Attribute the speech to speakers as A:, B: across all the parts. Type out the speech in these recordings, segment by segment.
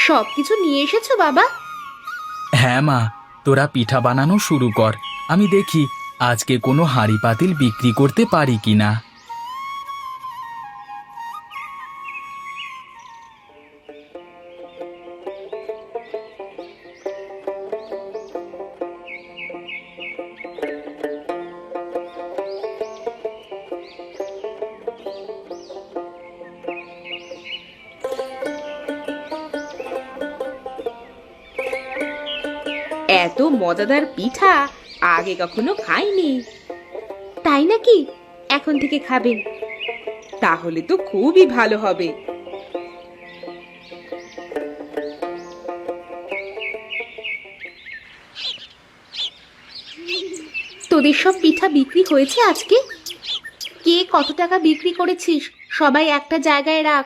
A: সবকিছু নিয়ে এসেছো বাবা?
B: হ্যাঁ মা, তোরা পিঠা বানানো শুরু কর। আমি দেখি আজকে কোনো হাঁড়ি পাতিল বিক্রি করতে পারি কিনা।
A: এত মজাদার পিঠা আগে কখনো খাইনি। তাই নাকি? এখন থেকে খাবেন? তাহলে তো খুবই ভালো হবে। তোদের সব পিঠা বিক্রি হয়েছে আজকে? কে কত টাকা বিক্রি করেছিস সবাই একটা জায়গায় রাখ।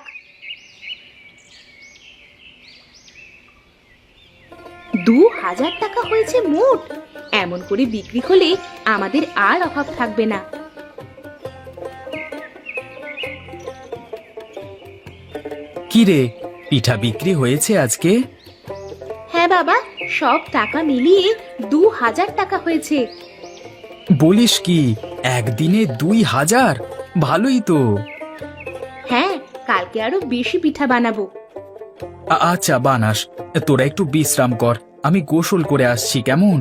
A: 2000 টাকা হয়েছে মোট। এমন করে বিক্রি হলে আমাদের আর অভাব থাকবে না।
B: কি রে, পিঠা বিক্রি হয়েছে আজকে?
A: হ্যাঁ বাবা, সব টাকা মিলিয়ে 2000 টাকা হয়েছে।
B: বলিস কি, একদিনে 2000? ভালোই তো।
A: হ্যাঁ, কালকে আরো বেশি পিঠা বানাবো।
B: আচ্ছা বানাস, তোরা একটু বিশ্রাম কর, আমি গোসল করে আসছি কেমন?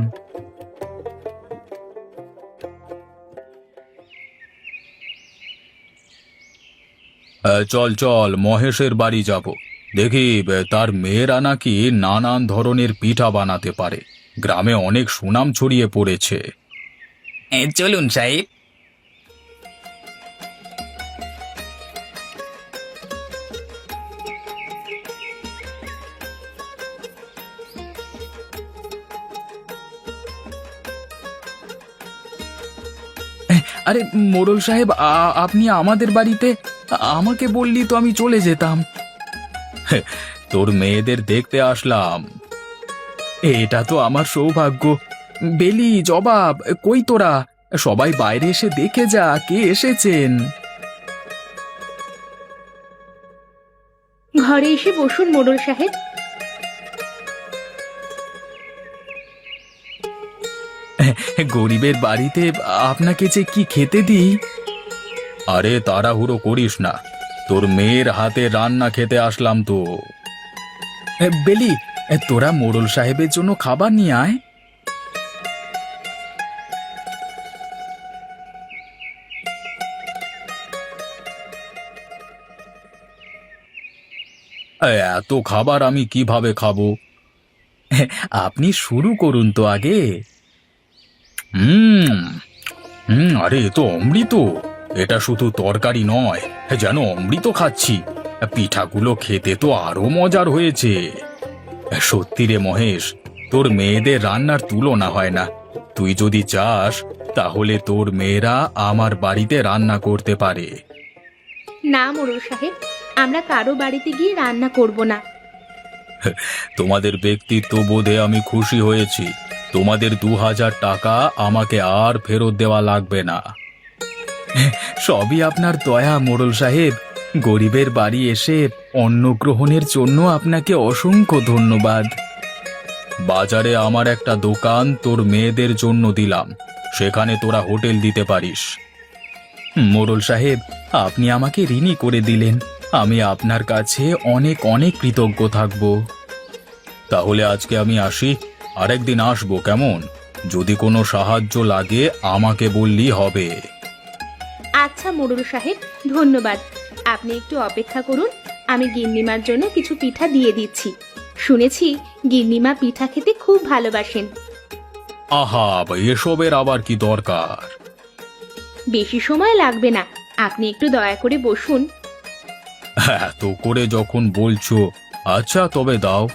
B: চল চল মহেশের বাড়ি যাব। দেখি তার মেয়েরা নাকি নানান ধরনের পিঠা বানাতে পারে, গ্রামে অনেক সুনাম ছড়িয়ে পড়েছে। চলুন সাহেব। আরে মোড়ল সাহেব, আপনি আমাদের বাড়িতে? আমাকে বললি তো আমি চলে যেতাম। তোর মেয়েদের দেখতে আসলাম। এটা তো আমার সৌভাগ্য। বেলি, জবাব, কই তোরা? সবাই বাইরে এসে দেখে যা কে এসেছেন।
A: ঘরে এসে বসুন মোড়ল সাহেব।
B: গরিবের বাড়িতে আপনাকে যে কি খেতে দিই। আরে তাড়াহুড়ো করিস না, তোর মেয়ের হাতে রান্না খেতে আসলাম তো। বেলি, তোরা মোড়ল সাহেবের জন্য খাবার নিয়ে আয়। এত খাবার আমি কিভাবে খাবো? আপনি শুরু করুন তো আগে। হুম হুম, আরে এ তো অমৃত। এটা শুধু তরকারি নয়, যেন অমৃত খাচ্ছি। পিঠাগুলো খেতে তো আরো মজার হয়েছে। সত্যি রে মহেশ, তোর মেয়েদের রান্নার তুলনা হয় না। তুই যদি চাস তাহলে তোর মেয়েরা আমার বাড়িতে রান্না করতে পারে।
A: না মোড়ল সাহেব, আমরা কারো বাড়িতে গিয়ে রান্না করব না।
B: তোমাদের ব্যক্তিত্ব বোধে আমি খুশি হয়েছি। তোমাদের 2000 টাকা আমাকে আর ফেরত দেওয়া লাগবে না। সবই আপনার দয়া মোড়ল সাহেব। গরিবের বাড়ি এসে অন্ন গ্রহণের জন্য আপনাকে অসংখ্য ধন্যবাদ। বাজারে আমার একটা দোকান তোর মেয়েদের জন্য দিলাম, সেখানে তোরা হোটেল দিতে পারিস। মোড়ল সাহেব, আপনি আমাকে ঋণী করে দিলেন। আমি আপনার কাছে অনেক অনেক কৃতজ্ঞ থাকব। তাহলে আজকে আমি আসি, আরেকদিন আসবো কেমন? যদি কোনো সাহায্য লাগে আমাকে বললেই হবে।
A: আচ্ছা মোড়ল সাহেব, ধন্যবাদ। আপনি একটু অপেক্ষা করুন, আমি গিন্নিমার জন্য কিছু পিঠা দিয়ে দিচ্ছি। শুনেছি গিন্নিমা পিঠা খেতে খুব ভালোবাসেন।
B: আহা, এসবের আবার কি দরকার?
A: বেশি সময় লাগবে না, আপনি একটু দয়া করে বসুন।
B: এত করে যখন বলছো, আচ্ছা তবে দাও।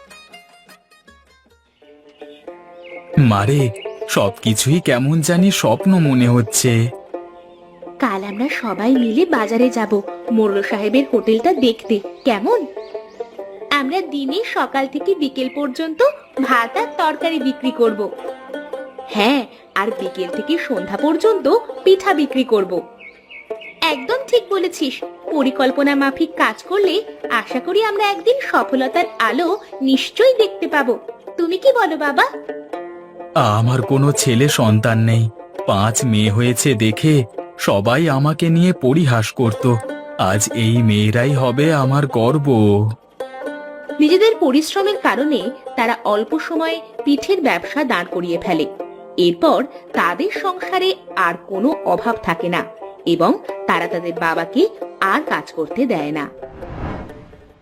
B: মারে, সবকিছুই কেমন জানি স্বপ্ন মনে হচ্ছে।
A: কাল আমরা সবাই মিলে বাজারে যাব মোড়ল সাহেবের হোটেলটা দেখতে, কেমন? আমরা দিনে সকাল থেকে বিকেল পর্যন্ত ভাত আর তরকারি বিক্রি করব। হ্যাঁ, আর বিকেল থেকে সন্ধ্যা পর্যন্ত পিঠা বিক্রি করব। একদম ঠিক বলেছিস, পরিকল্পনা মাফিক কাজ করলে আশা করি আমরা একদিন সফলতার আলো নিশ্চয়ই দেখতে পাবো। তুমি কি বলো বাবা?
B: আমার কোনো ছেলে সন্তান নেই, 5 মেয়ে হয়েছে দেখে সবাই আমাকে নিয়ে পরিহাস করত। আজ এই মেয়েরাই হবে আমার গর্ব।
A: নিজেদের পরিশ্রমের কারণে তারা অল্প সময়ে পিঠের ব্যবসা দাঁড় করিয়ে ফেলে। এরপর তাদের সংসারে আর কোনো অভাব থাকে না এবং তারা তাদের বাবাকে আর কাজ করতে দেয় না।